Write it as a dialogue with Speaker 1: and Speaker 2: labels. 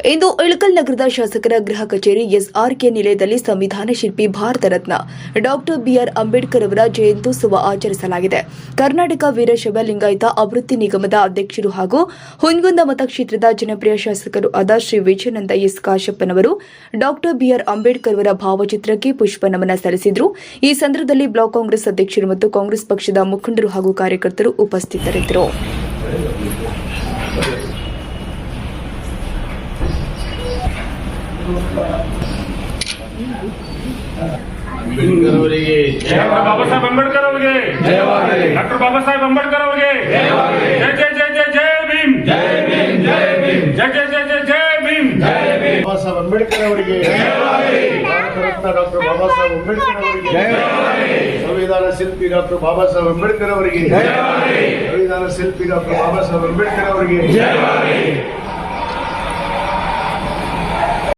Speaker 1: ಇಂದು ಇಳಕಲ್ ನಗರದ ಶಾಸಕರ ಗೃಹ ಕಚೇರಿ ಎಸ್ಆರ್ಕೆ ನಿಲಯದಲ್ಲಿ ಸಂವಿಧಾನ ಶಿಲ್ಪಿ ಭಾರತ ರತ್ನ ಡಾಕ್ಟರ್ ಬಿಆರ್ ಅಂಬೇಡ್ಕರ್ ಅವರ ಜಯಂತ್ಯುತ್ಸವ ಆಚರಿಸಲಾಗಿದೆ. ಕರ್ನಾಟಕ ವೀರಶೈವ ಲಿಂಗಾಯತ ಅಭಿವೃದ್ಧಿ ನಿಗಮದ ಅಧ್ಯಕ್ಷರು ಹಾಗೂ ಹುನಗುಂದ ಮತಕ್ಷೇತ್ರದ ಜನಪ್ರಿಯ ಶಾಸಕರು ಆದ ಶ್ರೀ ವಿಜಯಾನಂದ ಎಸ್ ಕಾಶಪ್ಪನವರು ಡಾಕ್ಟರ್ ಬಿಆರ್ ಅಂಬೇಡ್ಕರ್ ಅವರ ಭಾವಚಿತ್ರಕ್ಕೆ ಪುಷ್ಪ ನಮನ ಸಲ್ಲಿಸಿದರು. ಈ ಸಂದರ್ಭದಲ್ಲಿ ಬ್ಲಾಕ್ ಕಾಂಗ್ರೆಸ್ ಅಧ್ಯಕ್ಷರು ಮತ್ತು ಕಾಂಗ್ರೆಸ್ ಪಕ್ಷದ ಮುಖಂಡರು ಹಾಗೂ ಕಾರ್ಯಕರ್ತರು ಉಪಸ್ಥಿತರಿದ್ದರು.
Speaker 2: बाबा साहेब अंबेडकर डॉक्टर बाबा साहेब अंबेडकर जय जय जय जय जय भीम जय भीम जय भीम जय जय जय जय जय भीम जय भीम बाबा साहेब अंबेडकर भारत रत्न डॉक्टर बाबा साहेब अंबेडकर संविधान शिल्पी डॉक्टर बाबा साहेब अंबेडकर संविधान शिल्पी डॉक्टर बाबा साहेब अंबेडकर